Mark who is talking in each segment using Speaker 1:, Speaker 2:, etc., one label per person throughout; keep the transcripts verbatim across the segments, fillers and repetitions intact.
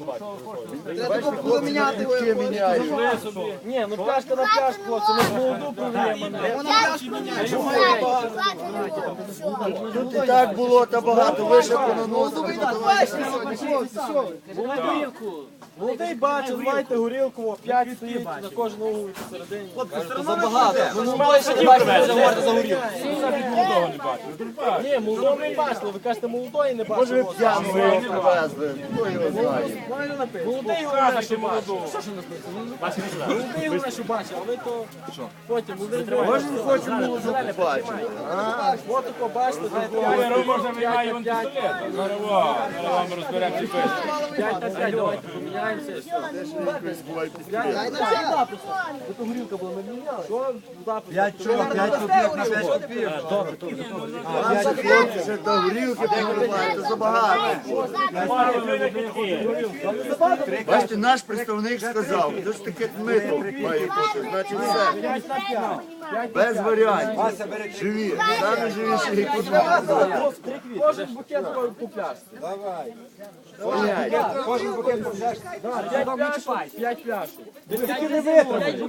Speaker 1: Треба було міняти його.
Speaker 2: Ні, ну пляшка на пляшку, хлопці, ми ж молоду продаємо.
Speaker 1: Тут і так було, та багато вище понаносили.
Speaker 2: Горілку. Молодий бачив, знаєте, горілку, п'ять стоїть на кожну вулицю посередині. Забагато. Ну, мали ще не бачили, вже говорите за горілку.
Speaker 3: Молодого не бачили.
Speaker 2: Ні, молодого не бачили, ви кажете, молодої не бачили.
Speaker 1: Може ви п'яного його привезли, хто його знає.
Speaker 2: Молодий головне, що бачив. Молодий головне, що бачив, а ви то потім, молодий
Speaker 1: Може він хоче молоду побачити.
Speaker 2: от тако бачите,
Speaker 3: Зараз можна виймає вон пістолет. Зараз во, зараз вам розберемо ці писки.
Speaker 2: п'ять на п'ять, давайте поміняємося. Ви то горілка була, ми міняли. Що?
Speaker 4: П'ять чого? П'ять копійок на п'ять копійок.
Speaker 1: Наші хлопці ще до горілки покривають, це забагато. Бачите, наш представник сказав, що ж таке мито має бути, значить все. Без варіантів. Живі, саме живіші, які тут можуть бути.
Speaker 2: Кожен букет по пляшці.
Speaker 4: Кожен букет по пляшці.
Speaker 2: П'ять пляшок, п'ять пляшок.
Speaker 4: Тільки не витримали.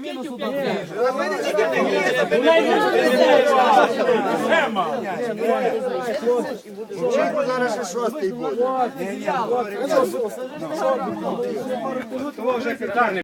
Speaker 1: Чому зараз ще шостий буде?
Speaker 4: Того вже питання.